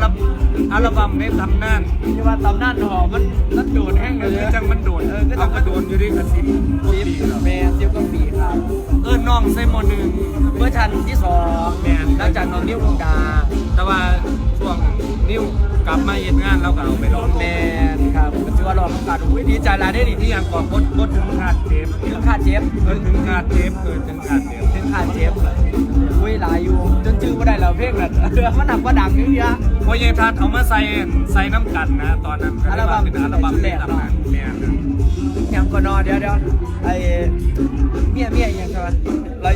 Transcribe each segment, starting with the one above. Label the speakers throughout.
Speaker 1: บั้มในตำนาน
Speaker 2: ที่ว่าตำนานหอมันโดดแห้งเลย
Speaker 1: จังมันโดดเอากระโดดอยู่ดีกับ10
Speaker 2: 10
Speaker 1: ปีแล้ว
Speaker 2: แม่10กว่าปีครับ
Speaker 1: น้องใส่หมอหนึ่ง
Speaker 2: เวอร์ชันที่2
Speaker 1: แม่น
Speaker 2: หลังจากน้องนิ้ววงดา
Speaker 1: แต่ว่าช่วงนิ้วกลับมาเฮ็ดงานเราก็เอาไปลอง
Speaker 2: แมนครับก็ถือว่าลองทำการอุ้ยดีใจหลายได้ดี
Speaker 1: ที่ยังก่อนบดถึงขาดเทป
Speaker 2: ถึงค่าเจ็บ
Speaker 1: ถึงขาดเทปถึงขาดเทป
Speaker 2: ถึงค่าเจ็บอุ้ยหลายอยู่จนจื้อไม่ได้แล้วเพลงน่ะมันหนักกว่าดังอย่างเงี้ย
Speaker 1: พอยายทัดเอามาใส่น้ำกันนะตอนนั้นก็ได้ว่าเป็นอัลบั้มแรกนะแม่น
Speaker 2: ยังก็นอนเดี๋ยวไอ้เมียยังใช่ไหมไร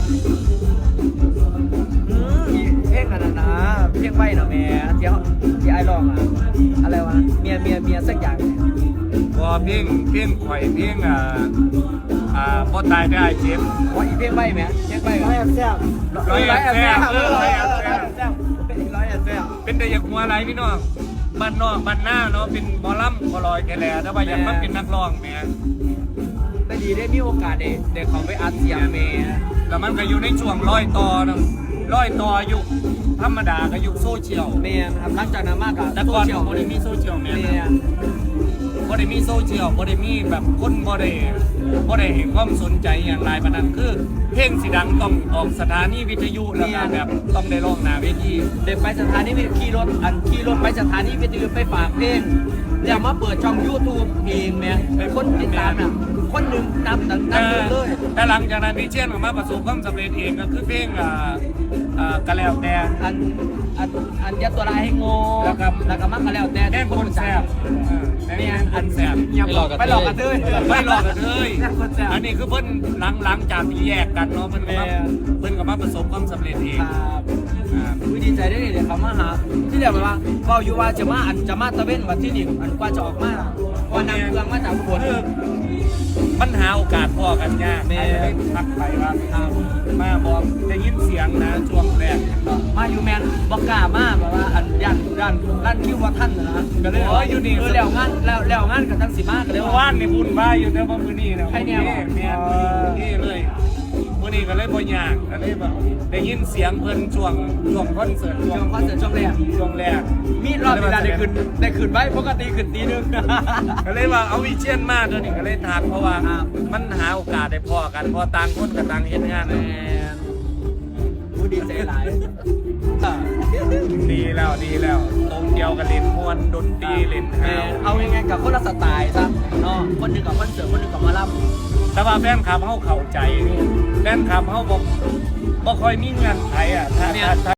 Speaker 2: เพลงอันนั้นนะเพลงไว้นะแม่ที่ไอ้ร้องอะอะไรวะเมียสักอย่าง
Speaker 1: พอเพลงข่อยเพลงพอตายได้เจ็บ
Speaker 2: ว่าอีเพลงไว้ไหมเพลงไว้ร้อยแซ่บ
Speaker 1: ร้อยแอบแซ่บ
Speaker 2: ร้อยแอบแซ่บร้อยแอบแซ่บ
Speaker 1: เป็นแต่อยากหัวอะไรพี่น้องบ้านนอกบ้านหน้าเนาะเป็นบอลล่ำบอลอยแกแหล่แต่ว่าอยากมาเป็นนักร้องแหม่
Speaker 2: ได้ดีได้มีโอกาสได้เขาไปอัดเสียงเมย์
Speaker 1: แล้วมันก็อยู่ในช่วงร้อยต่อนะร้อยต่อยุคธรรมดากับยุคโซเชียล
Speaker 2: เมย์ครับหลังจากนั้นมากอะ
Speaker 1: แต่ก่อนบ่ได้มีโซเชียลแหม่
Speaker 2: เมย์
Speaker 1: บ่ได้มีโซเชียลบ่ได้มีแบบคนบ่ได้เห็นความสนใจอย่างไรปานนั้นคือเพลงสิดังต้องออกสถานีวิทยุแล้วก็แบบต้องได้ร้องหน้าเวที
Speaker 2: เด็กไปสถานีขี่รถไปสถานีวิทยุไปฝากเพลงแล้วมาเปิดช่อง YouTube เองแม่คนติดตามน่ะคนหนึ่งนับตั้งเลย
Speaker 1: แต่หลังจากนั้นพี่เชียนออกมาประสบความสำเร็จเองก็คือเพลงกะแล้วแต่
Speaker 2: อันยัดตัวลายให้โง่แล้วก็มักกันแล้วแต่
Speaker 1: แน่นคนแซ่บเนี่ยอันแซ่บ
Speaker 2: ไปหลอกกันเลย
Speaker 1: ไม่หลอกกันเลยอันนี้คือเพิ่นหลังจากที่แยกกันเนาะเพิ่นก็มาประสบความสำเร็จเอง
Speaker 2: ครับดีใจได้เลยเขามาหาที่เรียกว่าเฝ้าอยู่ว่าจะมาตะเวนวันที่นี่อันกว่าจะออกมาว่านำเครื่องมาจากอุบล
Speaker 1: ปัญหาโอกาสพอกันยากไม่ได้พักไปว่ามาบอกได้ยินเสียงนะช่วงแรก
Speaker 2: มาอยู่แมนบอกกล้ามาแบบว่าอันยันร้านคิวว่าท่านนะก็เลยอยู่นี่แล้วงานกับทั้งสิมาก็เลย
Speaker 1: ว่านในบุญบ้าอยู่แต่ว่ามื้อนี้นะ
Speaker 2: ใครเนี่ย
Speaker 1: แม่นี่เลยมื้อนี้ก็เลยบ่ยากก็เลยแบบได้ยินเสียงเพิ่นช่วงคอนเสิร์ตช่วงแรก
Speaker 2: มีรอบเวลาได้ขึ้นไว้ปกติขึ้นตีนึง
Speaker 1: ก็เลยว่าเอาวิเชียนมากตัวนี้ก็เลยทักเพราะว่ามันหาโอกาสได้พอกันพอต่างคนกับต่างเฮ็ดงาน
Speaker 2: ผู้ดีใจหลาย
Speaker 1: ดีแล้วตรงเดียวกันเล่นม่วนดนตรีเล่นฮาว
Speaker 2: เอายังไงกับคนละสไตล์ซะเนาะคนหนึ่งกับคอนเสิร์ตคนหนึ่งกับมาล่ำ
Speaker 1: แต่ว่าแฟนคลับเฮาเข้าใจแฟนคลับเฮาบ่ค่อยมีเงื่อนไขอ่ะถ้า